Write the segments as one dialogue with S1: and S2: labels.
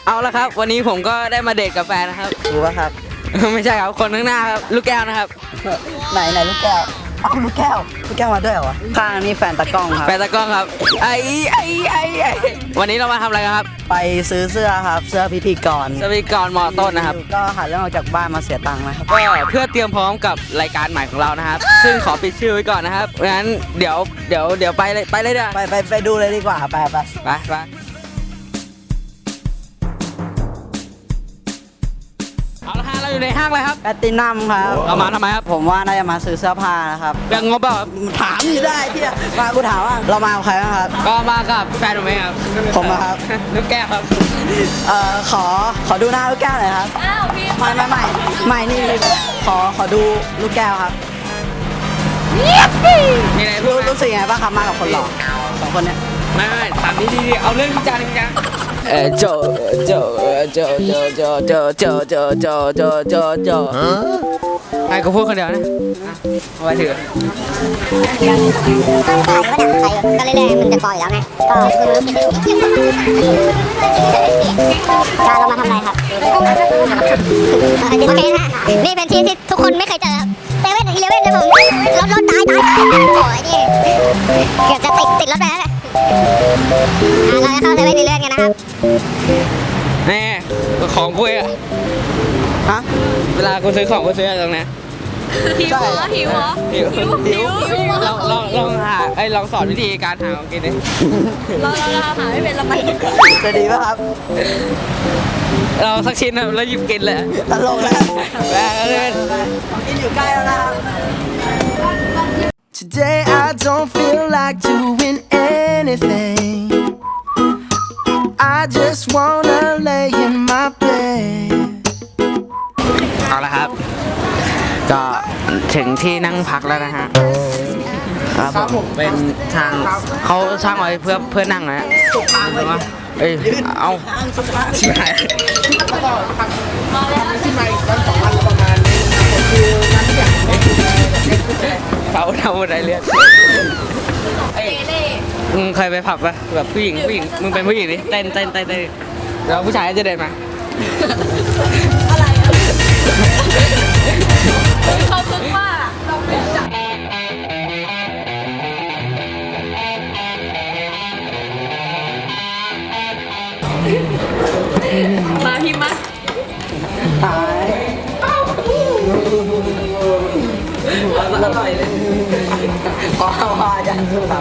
S1: เอาละครับวันนี้ผมก็ได้มาเดทกับแฟนนะครับ
S2: รู้ป่ะครับ
S1: ไม่ใช่ครับคนข้างหน้าครับลูกแก้วนะครับ
S2: ไหนลูกแก้วเอ้าลูกแก้วมาด้วยเหรอวะข้างนี่แฟนตะกล้องครับ
S1: แฟนตากล้องครับไอ้วันนี้เรามาทำอะไรกันครับ
S2: ไปซื้อเสื้อครับเสื้อพิธีกร
S1: สวีกรมอต้นนะครับ
S2: ก็หาเรื่องออกจากบ้านมาเสียตังค์นะครับ
S1: ก็เพื่อเตรียมพร้อมกับรายการใหม่ของเรานะครับ ซึ่งขอปิดชื่อไว้ก่อนนะครับงั้นเดี๋ยวไปเลยเด้อ
S2: ไปดูเลยดีกว่าไป
S1: ไปเอาละฮะเราอยู่ในห้างเลยครับ
S2: แพตตินัมครับ
S1: เรามาทำไมครับ
S2: ผมว่าน่าจะมาซื้อเสื้อผ้านะครับ
S1: ยังงบเปล่าครับ
S2: ถามนี่ได้พี่มากูถามว่าเรามากับใครบ้างครับ
S1: ก็มากับแฟนผมเองครับ
S2: ผมอะครับ
S1: ลูกแก้วครับ
S2: ขอดูหน้าลูกแก้วหน่อยครับ
S3: อ้าวพี่
S2: ไม่นี่ขอดูลูกแก้วครับ
S1: มีอะไรพูดไหม
S2: รู้สึกยังไงบ้างครับมากับคนหล่อสองคนเนี้ย
S1: ไม่ถามดีเอาเรื่องจริงจังโจให้กูพูดคนเดียวนะเอาไว้ถือ
S3: ก็เรื่อยๆมันจะปล่อยแล้วไง ก็คือมันการเรามาทำอะไรครับ โอเคนะนี่เป็นที่ที่ทุกคนไม่เคยเจอครับเซเว่นอีเลฟเว่นนะผมรถตายโอ้ยนี่เกือบจะติดรถไปแล้วเราจะเข้าเซเว่นเรื่อยๆกันนะครับ
S1: แน่ของกูอ่ะ
S2: ฮะ
S1: เวลากูซื้อของกูซื้อตรงนี้
S3: หิวเหรอหิวเหรอ
S1: หิวลองสอนวิธีการหาของกินดิ
S3: เราหาไม่เป็นเราไป
S2: จะดีป่ะครับ
S1: เราสักชิ้นนะแล้วหยิบกินเลย
S2: ตลกแล้ว
S1: แล้วเล่น
S2: ของกินอยู่ใกล้แล้วนะครับ
S4: Today I don't feel like doing anything. I just wanna lay in my bed.
S1: เอาละครับ ก็ถึงที่นั่งพักแล้วนะฮะครับผมเป็นทางเขาสร้างไว้เพื่อนั่งนะฮะเอ้ยเอาชิบหายเขาทำอะไรเรียนมึงเคยไปผับปะแบบผู้หญิงมึงเป็นผู้หญิงดิเต้นแล้วผู้ชายจะเดินมา
S3: อะไรอ่ะเขาซึ้งมากเราไม่จับมาพี่มา
S2: ตายอร่อยเลยขอเอาอาจารย์สุดครับ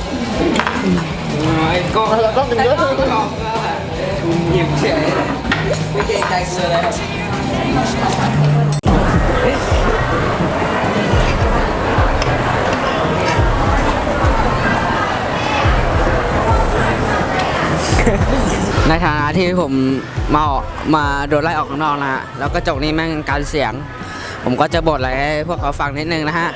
S1: ก็เป็นเยอะหยิบเฉยไม่เกรงใจเสือเลยในฐานะที่ผมมาโดนไล่ออกข้างนอกนะฮะแล้วก็จกนี่แม่งการเสียง ผมก็จะบ่นอะไรให้พวกเขาฟังนิดนึงนะฮะ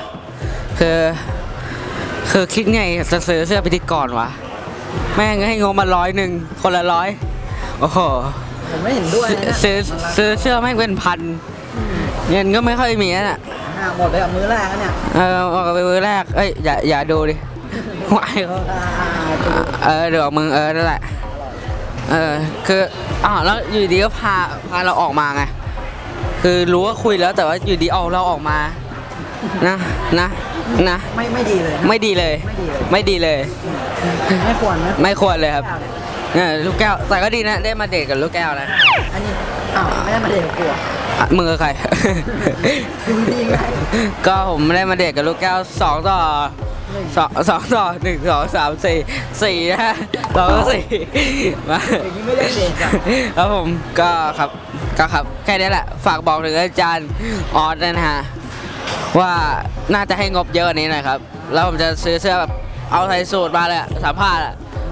S1: คือคิดไงจะซื้อเสื้อพิธีกรวะแม่งให้งบมา100คนละ100โอ้โห
S2: ผมไม่เห็นด้วยนะ
S1: ซื้อเสื้อแม่งเป็นพันเงินก็ไม่ค่อยมีน่ะ
S2: หมดไปกับมื้อแรกแล้วเนี่ย
S1: ออกไปมือแรกเอ้ยอย่าดูดิวายเขาเดี๋ยวมึงนั่นแหละคือแล้วอยู่ดีก็พาเราออกมาไงคือรู้ว่าคุยแล้วแต่ว่าอยู่ดีเอาเราออกมานะ
S2: ไม่ดีเลย
S1: ไม่ดีเลย
S2: ไม่ควรนะ
S1: ไม่ควรเลยครับลูกแก้วแต่ก็ดีนะได้มาเดทกับลูกแก้วนะ
S2: อันนี้ไม่ได้มาเดทกับกู
S1: มึงกับใคร
S2: ดูดีไง
S1: ก็ผมได้มาเดทกับลูกแก้ว2 ต่อ 1 2 3 4นะฮะ2 ต่อ 4มา
S2: อย่างนี้ไม่ได้เดทกัน
S1: แล้วผมก็ครับแค่นี้แหละฝากบอกถึงอาจารย์ออสนะฮะว่าน่าจะให้งบเยอะกว่านี้หน่อยครับแล้วผมจะซื้อเสื้อแบบเอาใส่สูทมาเลยสัมภาษณ์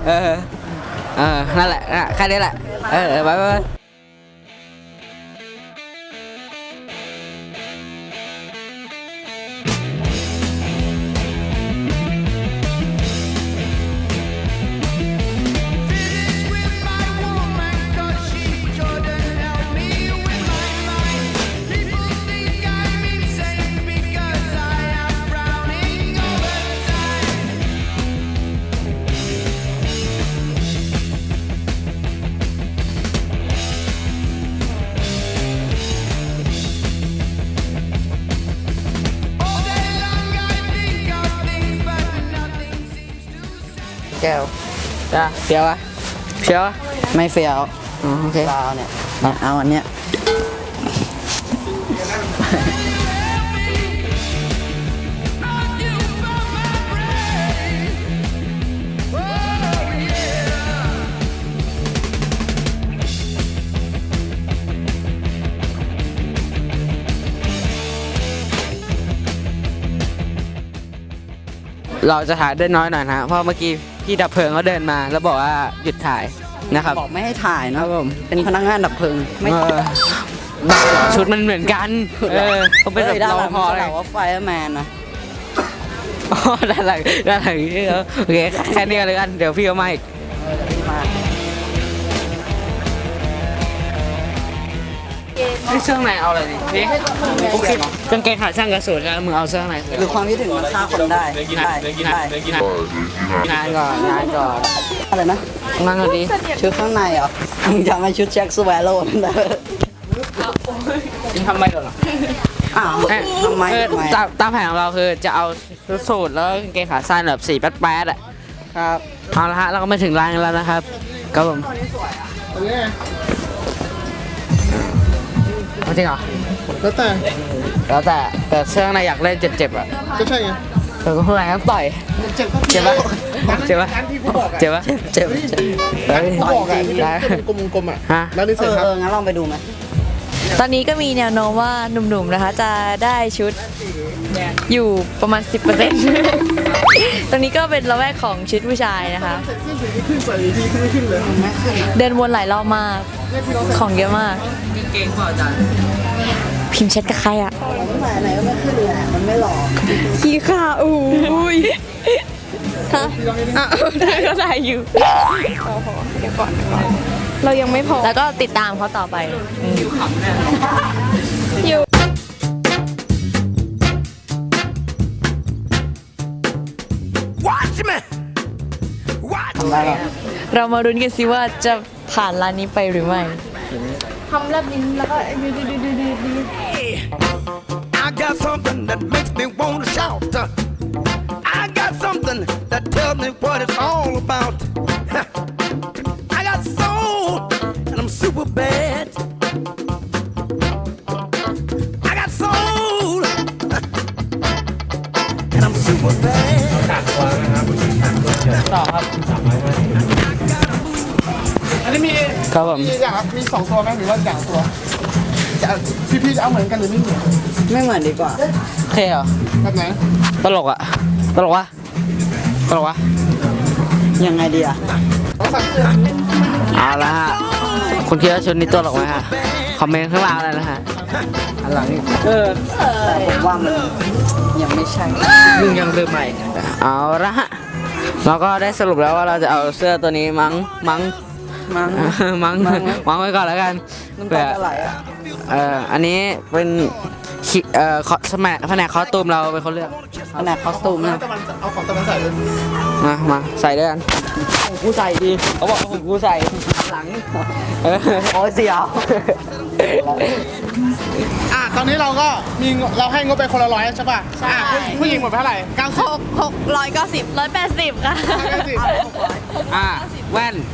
S1: นั่นแหละแค่นี้แหละไป
S2: แก้ว
S1: จ้าเฟี้ยววะเฟี้ยววะ
S2: ไม่เฟี้ยว
S1: อ๋อโอเค
S2: เราเนี่ยเอาอันเนี้ย
S1: เราจะถ่ายได้น้อยหน่อยนะเพราะเมื่อกี้พี่ดับเพลิงเขาเดินมาแล้วบอกว่าหยุดถ่ายนะครับ
S2: บอกไม่ให้ถ่าย
S1: ค
S2: นะ
S1: รับผม
S2: เป็นพนักงานดับเพลิงไม่
S1: เออบ้าเหรอชุดมันเหมือนกันเขาเป็นแบบ
S2: ด้าน
S1: ร
S2: ห
S1: อ
S2: ลัง
S1: พอ
S2: มัน
S1: เล
S2: จะ
S1: ย
S2: บอกว่าไฟแมนนะ
S1: อ๋อด้านหลังนี่เขาโอเคแค่นี้เลยกันเดี๋ยวพี่เอามาอีก
S2: มา
S1: เสื้อในเอาอะไรดินี่โอเคกางเกงขาสั้นกระสุนแล้วมึงเอาเสื้อใน
S2: หรือความคิดถึงมันฆ่าคนได้ได้ได้
S1: งานก่อน
S2: อะไรนะ
S1: งานก่อนดิ
S2: ชุดข้างในเหรอมึงจำไอ้ชุดแจ็คสแวโร่นั่นได้
S1: มึงทำไมเหรอ
S2: อ้าวทำไม
S1: คือ
S2: ทำไม
S1: ตามแผนของเราคือจะเอาสูทแล้วกางเกงขาสั้นแบบสีแป๊ดๆอ่ะ
S2: ครับ
S1: เอาละฮะเราก็มาถึงร้านกันแล้วนะครับครับผมจริงเหรอ
S5: แล้วแต่
S1: แล้วแต่เสื้อในอยากเล่นเจ็บๆอ่ะ
S5: ก็ใช่ไง
S1: แต่ก็ข้างในต้องต่อย
S5: เจ็บก็
S1: เจ็บปะเจ็บปะ
S5: ร้านที่กูบอกอะ
S1: เจ็บปะ
S2: เจ็บ
S5: ร้านที่กูบอกอะที่
S1: ได้
S5: เป็นกลมๆอะ
S1: ฮะ
S5: แล้วนี่เสร็จครับ
S2: งั้นลองไปดูไหม
S6: ตอนนี้ก็มีแนวโน้มว่าหนุ่มๆนะคะจะได้ชุดอยู่ประมาณ 10% ตรงนี้ก็เป็นละแวกของชุดผู้ชายนะคะ
S5: ขึ้นใส่ดีขึ้นไม่ขึ้นเลย
S6: เดินวนหลายรอบมาก ของเยอะมาก
S1: กางเกงเปล่าจัน
S6: พิมพ์แชทกับใครอ่ะ
S2: ตั้งแต่ไหนก็ไม่ขึ้นเลยมันไม่หล่อ
S6: ขี้ข่าอุ้ยฮะอ่ะได้ก็ได้อยู่เรายังไม่พอ แล้วก็ติดตามเขาต่อไปอยู่
S4: Watch me! Watch
S2: ทำได้หรอ
S6: เรามารุ้นกันสิว่าจะผ่านร้านนี้ไปหรือไม่
S4: I got something that makes me want to shout. I got something that tells me what it's all about. I got soul and I'm super bad. I got soul and I'm super bad.
S1: ต่อครับ
S5: อันนี้มี
S1: ครับผม
S5: อย่างครับมี2ตัวไหมหรือว่าอย่างตัวจะพี่จะเอาเหมือนกันหรือไม่เหมือน
S2: ไม่เหมือนดีกว่า
S1: โอเคเหรอ
S5: แบบไหน
S1: ตลกอ่ะตลกวะตลกวะ
S2: ยังไงดีอะ
S5: ต้องสั่งเสื้อ
S1: เอาละฮะคุณคิดว่าชุดนี้ตลกไหมฮะคอมเมนต์ข้างล่างเลยนะฮะอันหลังนี่
S2: แต่ผมว่ามันยังไม่ใช่
S1: มึงยังลืมใหม่เอาละฮะเราก็ได้สรุปแล้วว่าเราจะเอาเสื้อตัวนี้มั้ง
S2: มั้ง
S1: มั้งไว้ก่อนแล้วกัน
S2: น้ำ
S1: เผื่
S2: ตา
S1: อ
S2: จะไหลอะ
S1: อันนี้เป็นแผนกคอสตูมเราเป็นคนเลือก
S2: ขนาดคอสตูมนะ
S5: ตะวันเอาของตะวันใส่เลย
S1: มาใส่ด้วยกันกูใส่ดีเขาบอกว่าผมกูใส่หลัง
S2: โอ้ยเสียว
S5: ตอนนี้เราก็มีเราให้งบไปคนละ100ใช่ป่ะผู้หญิงหมดไปเท่าไหร่90
S6: 180 180 ค่ะ
S1: แว่น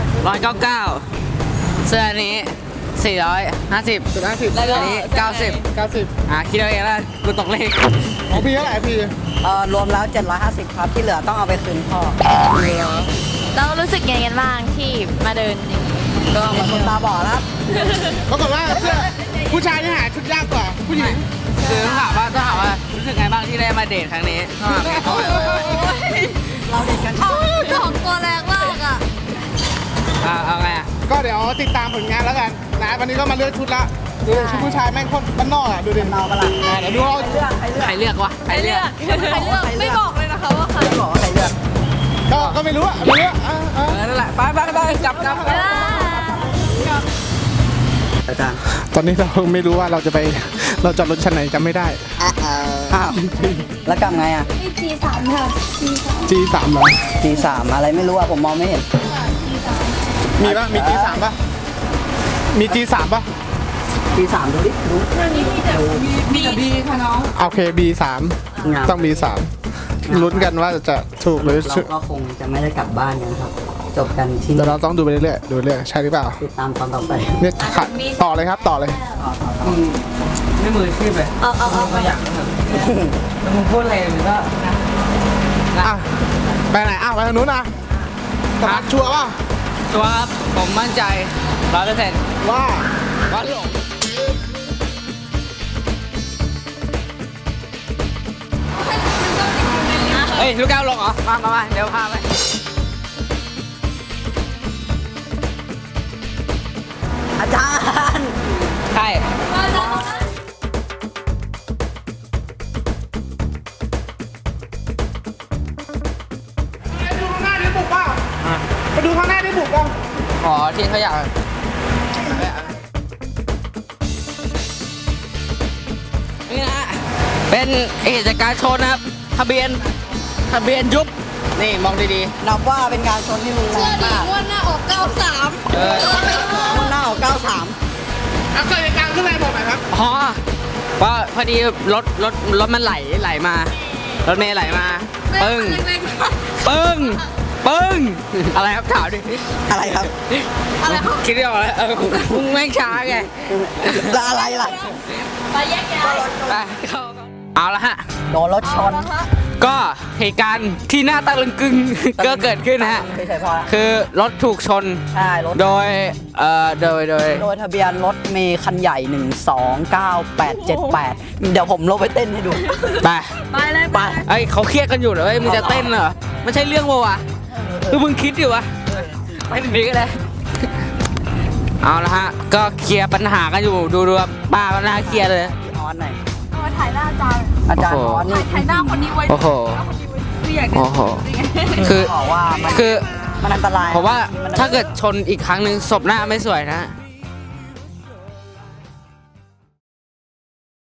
S1: 199เสื้อนี้450
S5: 50
S1: อันนี้90 คิดเอาเองแล้วกูตกเลข
S5: ของพี่เท่าไหร่พี่
S2: รวมแล้ว750ครับที่เหลือต้องเอาไปคืนพ่อ
S6: เรารู้สึกยังไงกันบ้างที่มาเดินอย่างนี้
S2: ก็เหมือนคนตาบอดแล้ว
S5: ปรากฏว่าเสื้อผู้ชายที่หาชุดยากกว่าผู้หญิง
S1: คือต้องถามว่ารู้สึกไงบ้างที่ได้มาเดทครั้งนี้ต้องถามไงต้องถาม
S2: เราเด็กกัน
S6: ของตัวแรงมากอ่ะ
S1: เอาไงอ่ะ
S5: ก็เดี๋ยวติดตามผลงานแล้วกันนะวันนี้ก็มาเลือกชุดละดูดิชุดผู้ชายแม่งโคตรบ้านนอกอ่ะดูดิ
S2: เมาปะล่ะ
S5: เดี๋ยวดูเอา
S1: ใครเลือกวะใครเลือก
S6: ไม่บอกเลยนะคะว่าใคร
S2: บอกว่าใครเลือก
S5: ก็ไม่รู้อ่ะไม่รู้อ่ะ
S1: นั่นแหละไปกลับ
S2: อาจารย์
S5: ตอนนี้เราไม่รู้ว่าเราจอดรถชั้นไหนจำไม่ได้
S2: อ้าวแล้วกลับไงอ่ะ
S5: G3 เหรอ
S2: G3 อะไรไม่รู้อ่ะผมมองไม่เห็น
S5: มีป่ะมี G3 ป่ะมี G3 ป่ะ
S2: G3 ดูดิดู
S5: โอเค B3
S2: งาม
S5: ต้อง B3 ลุ้นกันว่าจะถูกหรือ
S2: เราก็คงจะไม่ได้กลับบ้านกันครับ จบกันที่
S5: เดี๋ยว
S2: นี่
S5: เราต้องดูไปเรื่อยๆดูเรื่อยๆใช่หรือเปล่า
S2: ติดตามตอนต่อไป
S5: เนี่ยค่ะต่อเลยครับต่อเลย
S1: ไม่มืออาชีพเลยตัวอย่างแล้วมึงพูดอะไรมันก็นะ
S5: อ่ะไปไหนอ้าวไปทางนู้นนะสมัครชัวร์ป่ะ
S1: ตัวครับผมมั่นใจ100%
S5: ว่า
S1: ว่าหลงเฮ้ยลูกแก้วลงเหรอมาเดี๋ยวพาไป
S2: อาจารย์
S1: ใช่
S5: ไปดูข้างหน้าดิบุกเปล่าไปดูข้างหน้าดิบุกเปล่า
S1: ขอทิ้งขยะนี่นะเป็นเหตุจากการชนนะครับทะเบียนยุบนี่มองดี
S2: นับว่าเป็นการชนที่รุนแรงมาก
S6: วันหน้าออก 93
S1: ๆ
S2: มุ่งหน้าออก93
S5: อ่ะเกิดเหตุการณ์ขึ้นอะไรบอกหน่อยครับ
S1: อ๋อว่าพอดีรถมันไหลมารถเมล์ไหลมาปึ้งอะไรครับถามดิ
S2: อะไรครับ
S1: คิดไม่ออกแล้วมึงแม่งช้าไง
S2: แล้วอะไรล่ะ
S6: ไปแยกย้าย
S1: ไปเข้าเอาละฮะ
S2: โดนรถชน
S1: ก็เหตุการณ์ที่น่าตะลึงกึง ก็เกิดขึ้นนะฮะ
S2: ไม่ใช่พอ
S1: คือรถถูกชน
S2: ใช่รถ
S1: โดย
S2: โดยทะเบียนรถเมย์คันใหญ่ 129878 เดี๋ยวผมลงไปเต้นให้ดู
S1: ไป
S6: ไปเลย
S2: ไป
S1: ไอ้ยเขาเครียดกันอยู่เหรอเฮ้ยมึงจะเต้นเหรอไม่ใช่เรื่องวะคือมึงคิดอยู่วะไปถึงนี้ก็ได้เอาละฮะก็เคลียร์ปัญหากันอยู่ดูครับป้าก็น่าเครียดเลย
S2: พี่ออนหน่อย
S6: มาถ่ายหน้าอาจารย์
S2: อาจารย์ออนนี่
S6: ถ่ายหน้าคนนี้ไว้
S1: โอ้โห
S6: คืออยาก
S1: โอ้โหคือ
S2: บอกว่ามัน
S1: คือ
S2: มันอันตราย
S1: ผมว่าถ้าเกิดชนอีกครั้งหนึ่งศพหน้าไม่สวยนะ